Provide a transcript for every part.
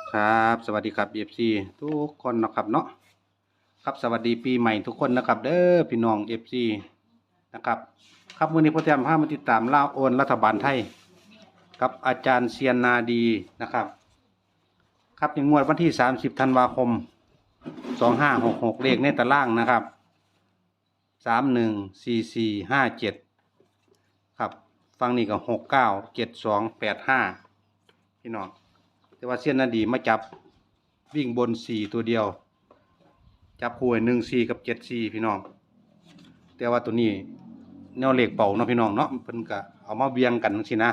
ครับสวัสดีครับFC ทุกคนนะครับเนาะครับสวัสดีปีใหม่ทุกคนนะครับเด้อพี่น้อง FC นะครับครับวันนี้พ่อแจมพามาติดตามล่าโอนรัฐบาลไทยกับอาจารย์เซียนนาดีนะครับครับในงวดวันที่30ธันวาคม2566เลขในตารางนะครับ314457ครับฟังนี่ก็697285พี่น้องแต่ว่าเซียนนาดีมาจับวิ่งบน4ตัวเดียวจับคู่14กับ74พี่น้องแต่ว่าตัวนี้แนวเลขเป่าเนาะพี่น้องเนาะเพิ่นก็เอามาเวียงกันจังซี่นะ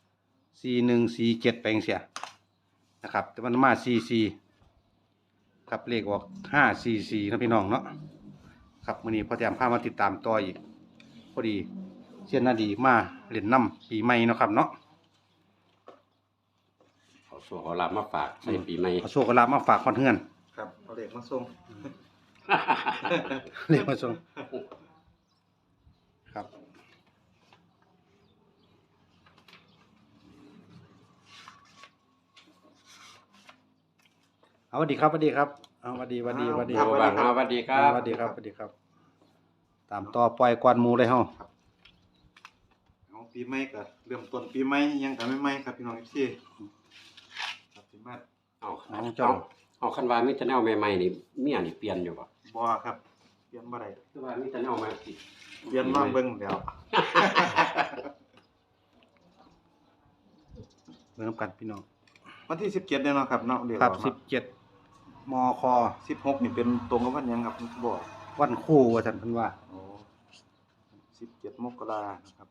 4147ไปจังซี่นะครับแต่มันมา44ครับเลขออก544นะพี่น้องเนาะครับมื้อนี้พ่อแต้มพามาติดตามต่ออีกพอดีเซียนนาดีมาเล่นน้ำปีใหม่เนาะครับเนาะเอาโชว์เอาลาบมาฝากใส่ปีใหม่เอาโชคเอาลาภมาฝากคนเฮือนครับเอาเด็กมาส่งเรียกมาส่งครับเอาสวัสดีครับสวัสดีครับเอาสวัสดีสวัสดีสวัสดีโอ้บางสวัสดีครับสวัสดีครับสวัสดีครับ ตามต่อปล่อยกวนหมูเลยเฮาเอาปีใหม่ก็เริ่มต้นปีใหม่ยังกันใหม่ๆครับพี่น้องพี่ครับสิมาเอาน้องเจ้าเอาคันว่ามีแต่แนวใหม่ๆนี่เมียนี่เปลี่ยนอยู่บ่บ่ครับเปลี่ยนบ่ได้คือว่ามีแต่แนวใหม่สิเปลี่ยนลองเบิ่งแล้วเริ่มกันพี่น้องวันที่17เนี่ยเนาะครับเนาะเรียกครับว่า 17มค 16นี่เป็นตรงกับวันหยังครับบ่วันคู่ว่าท่านเพิ่นว่าโอ้17มกรานะครับ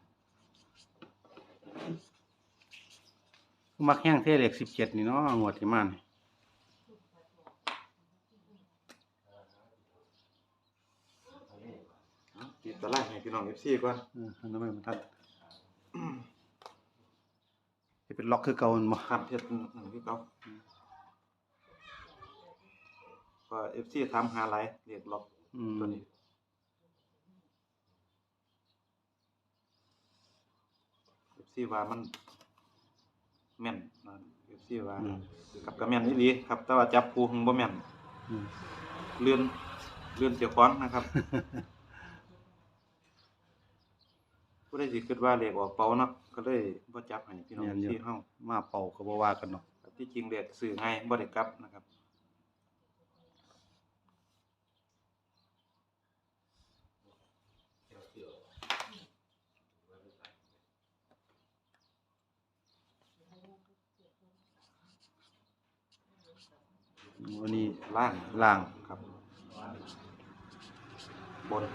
มักแห้งเท่เลข17นี่เนาะงวดที่มานี่เอาติดตารางให้พี่น้อง FC ก่อนอันนั้นมันทันสิเป็นล็อกคือเก่าแม่นบ่ครับเฮ็ดนั่นคือเก่าก็ FC ถามหาหลายเรียกล็อกอืมตัวนี้ FC ว่ามันแม่นนะ FC ว่ากับก็แม่นอีหลีครับแต่ว่าจับคู่บ่แม่นอืมเลื่อนเจ้าของนะครับ ผู้ใดสิคิดว่าเลขออกเป่าเนาะก็เลยบ่จับให้พี่น้องแม่นอยู่ที่เฮามาเป่าก็บ่ว่ากันเนาะที่จริงเลขซื้อง่ายบ่ได้กลับนะครับวันนี้ล่างล่างครับบน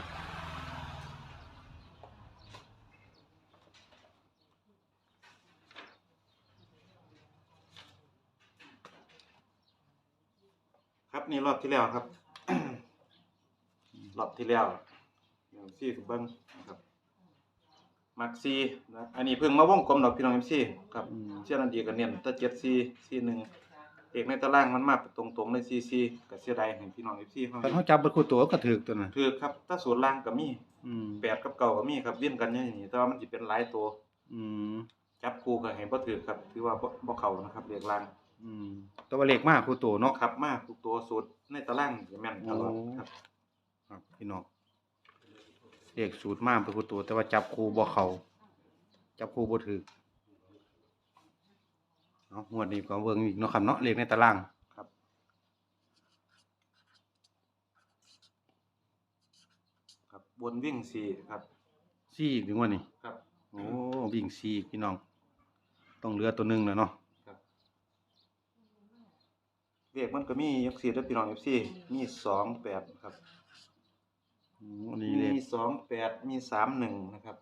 ครับนี่รอบที่แล้วครับ รอบที่แล้วอย่างซี่เบิ่งนะครับมักซีนะอันนี้เพิ่งมาวงกลมดอกพี่น้อง MC ครับเชื่อนันดีก็เน้นแต่7 4 4 1เอกในตารางมันมาตรงๆเลย4 4ก็เสียดายให้พี่น้อง FC เฮาคันเฮาจับเบิดคู่ตัวก็ถูกตัวน่ะคือครับถ้าศูนย์ล่างก็มีอืม 8กับ9ก็มีครับเวียนกันอย่างนี้แต่ว่ามันสิเป็นหลายตัวอืมจับคู่ก็ให้บ่ถูกครับถือว่าบ่เข้านะครับเลขล่างอืมตัวเลขมากคู่ตัวเนาะครับมาทุกตัวสูตรในตารางจะแม่นตลอดครับครับพี่น้องเลขสูตรมากเป็นคู่ตัวแต่ว่าจับคู่บ่เข้าจับคู่บ่ถูกเนาะงวดนี้ก็เบิ่งอีกเนาะครับเนาะเลขในตารางครับครับบนวิ่ง4ครับ 4อีกถึงวันนี้ครับโอ้วิ่ง4พี่น้องต้องเหลือตัวหนึงแล้วเนาะครับเลขมันก็มีจังซี่เด้อพี่น้อง FC มี28ครับอันนี้เลขมี28มี31นะครับ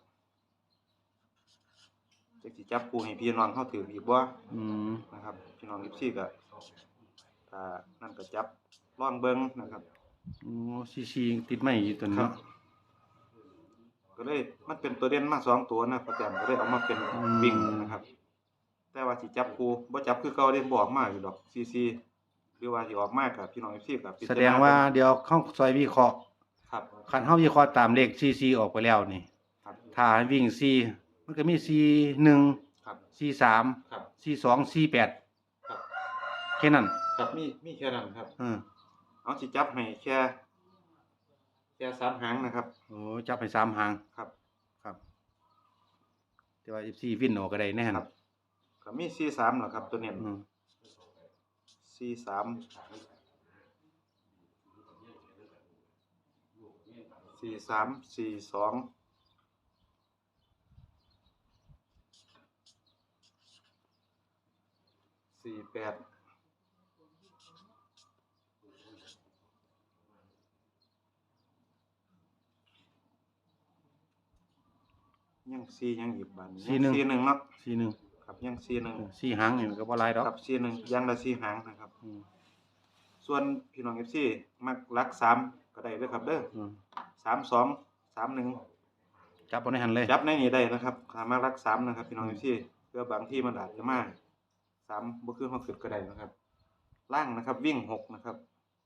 จักสิจับคู่ให้พี่น้องเฮาถืออีกบ่อืมนะครับพี่น้อง FC ก็ถ้านั่นก็จับลองเบิ่งนะครับโอ้4ติดไม้อยู่ตัวนี้ครับเนาะก็เลยมันเป็นตัวเด่นมา2ตัวนะประจำก็เลยเอามาเป็นวิ่งนะครับ แต่ว่าสิจับคู่บ่จับคือเก่าเด้บ่ออกมาอยู่ดอกCC หรือว่าสิออกมากับพี่น้อง FC ก็พิจแสรณดงว่าเดี๋ยวเข้าซอยวิเคราะห์ครับคันเฮาวิเคราะห์ตามเลข4ออกไปแล้วนี่ครับถ้าให้วิ่ง4มันก็มี41 ครับ 43 ครับ 42 48 ครับค่นั้นครับมีแค่นั้นครับ เอาสิจับให้แค่3หางนะครับโอ้จับให้3หางครับครับแต่ว่า FC วินออกก็ได้แน่ครับก็มี43ล่ะครับตัวเน้นอืม 43 42 48ยัง4ยังอีกบาดนี้ยัง41เนาะ 41 ครับยัง41 4หางนี่มันก็บ่หลายดอกครับ41ยังละ4หางนะครับอืมส่วนพี่น้อง FC มักหลัก3ก็ได้เด้อครับเด้ออืม 32 31 จับบ่ในหันเลยจับในนี้ได้นะครับสามารถรัก3นะครับพี่น้อง FC เพื่อบางที่มันอาจจะมา3บ่คือเฮาคิดก็ได้นะครับล่างนะครับวิ่ง6นะครับ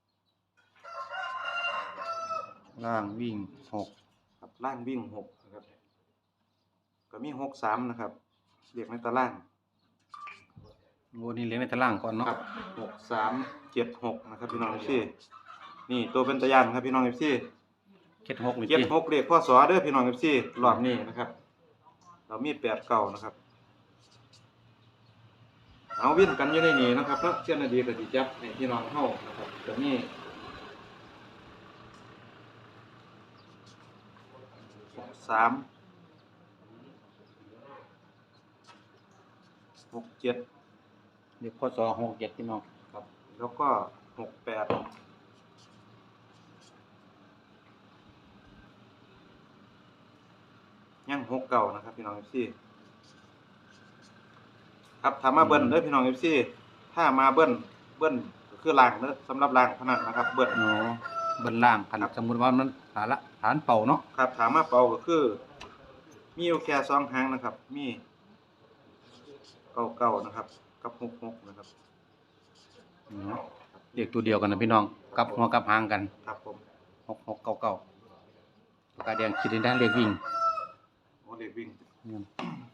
ล่างวิ่ง6 ครับล่างวิ่ง6นะครับก็มี63นะครับเรียกในตารางโอ้นี่เลี้ยงในตารางก่อนเนาะครับ6376นะครับพี่น้อง FC นี่ตัวเป็นตะยานครับพี่น้อง FC 76นี่ 76เลขพศเด้อพี่น้อง FC รอบนี้นะครับเรามี8 9นะครับเอาวิ่งกันอยู่ในนี้นะครับเนาะเช่นนาดีก็สิจับให้พี่น้องเฮานะครับก็มี3 6 7 เด็กพศ67พี่น้องครับแล้วก็68ยัง69นะครับพี่น้อง FC ครับถ้ามาเบิ้ลเด้อพี่น้อง FC ถ้ามาเบิ้ลก็คือล่างเด้อสำหรับล่างเท่านั้นนะครับเบิ้ลอ๋อเบิ่นล่างคันสมมุติว่ามันฐานเป่าเนาะครับถามมาเป่าก็คือมีอยู่แค่2หางนะครับมี99นะครับกับ66นะครับอืมเรียกตัวเดียวกันนะพี่น้องกลับหัวกลับหางกันครับผม 6699ปากกาแดงคิดได้เลขวิ่งโอ้เด็กวิ่งอืม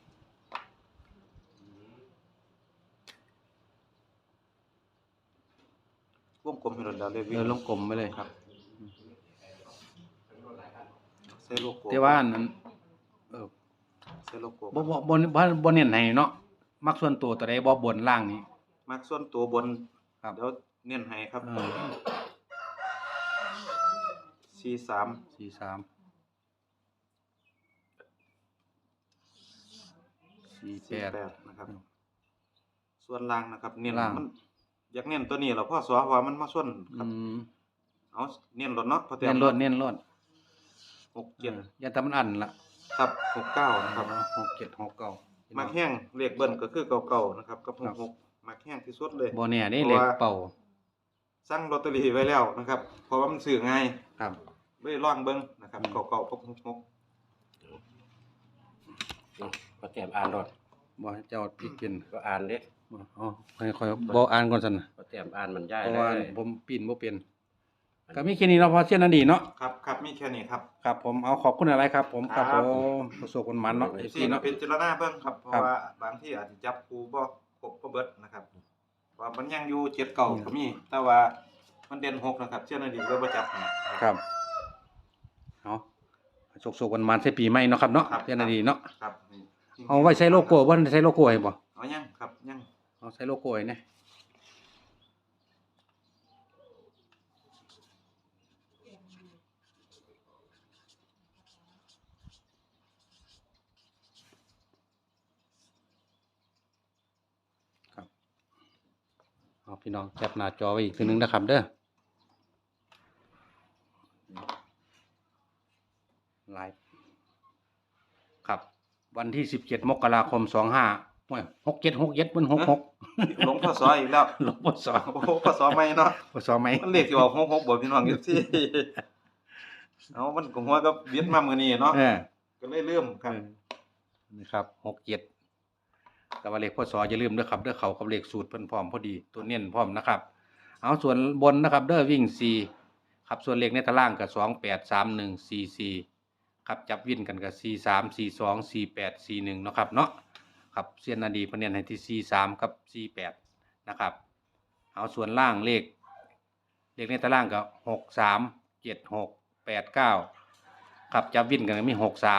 วงกลมให้เราเด็กวิ่งลงกลมไปเลยครับใส่โลโก้แต่ว่านั้นใส่โลโก้บ่เน้นให้เนาะมักส่วนตัวตัวใดบ่บนล่างนี่มักส่วนตัวบนครับเดี๋ยวเน้นให้ครับ 43 43 48 นะครับ ส่วนล่างนะครับเน้นล่างมันอยากเน้นตัวนี้แล้วพ่อสอว่ามันมาส่วนคอืรับมเอาเน้นรถเนาะพอเน้นรถ 67 อย่าทำมันอันละครับ69นะครับ 6769 มักแห้งเลขเบิ้ลก็คือเก่าๆนะครับกับครับ 66มักแห้งที่สุดเลยบ่แน่เด้เพเลราะขว่าเป่าสั่งลอตเตอรี่ไว้แล้วนะครับ เพราะว่ามันซื้อง่ายครับเลยลองเบิ่งนะครับเก่าๆกับ66 ก็แต้มอ่านรถบ่ให้เจ้าพี่กินก็อ่านเด้บ่อ๋อค่อยบ่อ่านก่อนซั่นน่ะก็แต้มอ่านมันย้ายเพราะเลว่าย ผมปีนบ่เป็นก็มีแค่นี้เนาะพอเสียนดีเนาะครับมีแค่นี้ครับครับผมเอาขอบคุณอะไรครับผมครับครับผมประสบคนมันเนาะ FC เนาะเป็นจารณาเบิ่งครับเพราะครับว่าบางที่อาจจะจับคู่บ่ครบบ่เบิดนะครับเพราะว่ามันยังอยู่7 เก่าก็มีแต่ว่ามันเด่น6นะครับเชื่อนั่นดีก็บ่จับให้ครับเอาโศกๆวันมันใส่ปีใหม่เนาะครับเนาะครับเสียนดีเนาะครับนี่เอาไว้ใส่โลโก้บ่ใส่โลโก้ให้บ่เอายังครับยังเอาใส่โลโก้ให้แน่ครับเอาพี่น้องแคปหน้าจอไว้อีกทีนึงนะครับเด้อไลฟ์ครับ วันที่17 มกราคม 25โอ้ย67มัน66 หลงพศอีกแล้วหลวงพ่อสอนโอ้โหพศใหม่เนาะพ่อสอนไหมมันเลขที่ออก66บ่พี่น้องอยู่ที่ เอามันก็หัวกับเวียดมามื้อนี้เนาะเออก็เลยลืมครับนะครับ67แต่ว่าเลขพ่อสออย่าลืมเด้อครับเด้อเขากับเลขสูตรเพิ่นพร้อมพอดีตัวเน้นพร้อมนะครับ เอาส่วนบนนะครับเด้อวิ่ง4ครับส่วนเลขในตารางก็283144ครับจับวิ่นกันก็43 42 48 41เนาะครับเนาะครับเซียนนาดีเพิ่นเน้นให้ที่43กับ48นะครับเอาส่วนล่างเลขในตารางก็637689ครับจับวินกันก็มี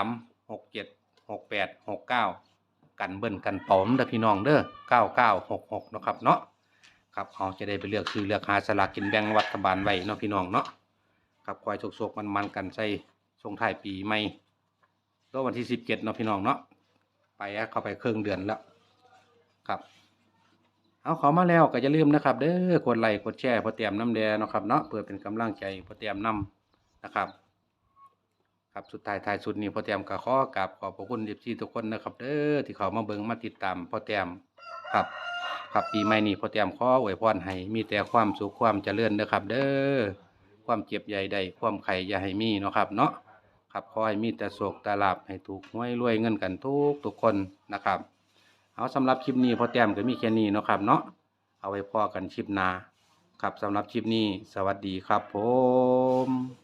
63676869กันเบิ้ลกันปอมเด้อพี่น้องเด้อ9966เนาะครับเนาะครับเขาจะได้ไปเลือกซื้อเลือกหาสลากกินแบ่งรัฐบาลไว้เนาะพี่น้องเนาะครับคอยโชคๆมันๆกันใส่ส่งท้ายปีใหม่ก็วันที่17เนาะพี่น้องเนาะไปเข้าไปครึ่งเดือนแล้วครับเอาเขามาแล้วก็อย่าลืมนะครับเด้อกดไลค์กดแชร์พอเตรียมน้ำแดงเนาะครับเนาะเพื่อเป็นกำลังใจพอเตรียมน้ำนะครับครับสุดท้ายสุดนี้พอเตรียมก็ขอกราบขอบพระคุณFCทุกคนนะครับเด้อที่เขามาเบิ่งมาติดตามพอเตรียมครับครับปีใหม่นี้พอเตรียมขออวยพรให้มีแต่ความสุขความเจริญเด้อครับเด้อความเจ็บใหญ่ใดความไข่อย่าให้มีเนาะครับเนาะครับขอให้มีแต่โชคแต่ลาภให้ถูกหวยรวยเงินกันทุกคนนะครับเอาสำหรับคลิปนี้พอเตรียมก็มีแค่นี้เนาะครับเนาะเอาไว้พอกันคลิปหน้าครับสำหรับคลิปนี้สวัสดีครับผม